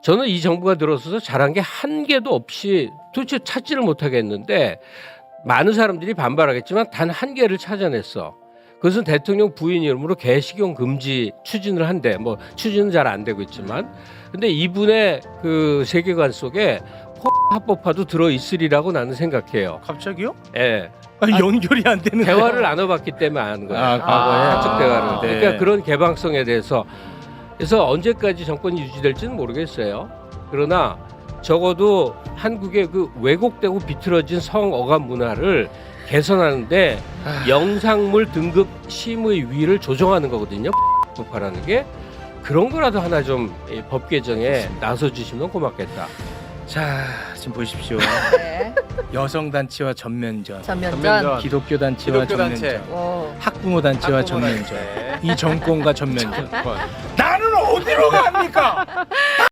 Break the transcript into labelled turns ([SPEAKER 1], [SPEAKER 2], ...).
[SPEAKER 1] 저는 이 정부가 들어서서 잘한 게 한 개도 없이 도대체 찾지를 못하겠는데 많은 사람들이 반발하겠지만 단 한 개를 찾아냈어. 그것은 대통령 부인 이름으로 개식용 금지 추진을 한대. 뭐 추진은 잘 안 되고 있지만, 근데 이분의 그 세계관 속에 합법화도 들어 있으리라고 나는 생각해요.
[SPEAKER 2] 갑자기요?
[SPEAKER 1] 예.
[SPEAKER 2] 연결이 안 되는
[SPEAKER 1] 대화를 나눠봤기 때문에 아는 거예요.
[SPEAKER 2] 과거에
[SPEAKER 1] 사적 대화를.
[SPEAKER 2] 네.
[SPEAKER 1] 그러니까 그런 개방성에 대해서 그래서 언제까지 정권이 유지될지는 모르겠어요. 그러나 적어도 한국의 그 왜곡되고 비틀어진 성어감 문화를 개선하는데 영상물 등급 심의위를 조정하는 거거든요. 법화라는 게 그런 거라도 하나 좀 법 개정에 나서 주시면 고맙겠다.
[SPEAKER 2] 자, 지금 보십시오.
[SPEAKER 3] 네.
[SPEAKER 2] 여성 단체와 전면전,
[SPEAKER 3] 전면전.
[SPEAKER 2] 기독교 단체와
[SPEAKER 4] 기독교 단체.
[SPEAKER 2] 전면전,
[SPEAKER 3] 오.
[SPEAKER 2] 학부모 단체와
[SPEAKER 4] 학부모
[SPEAKER 2] 전면전,
[SPEAKER 4] 단체.
[SPEAKER 2] 이 정권과 전면전. 나는 어디로 갑니까?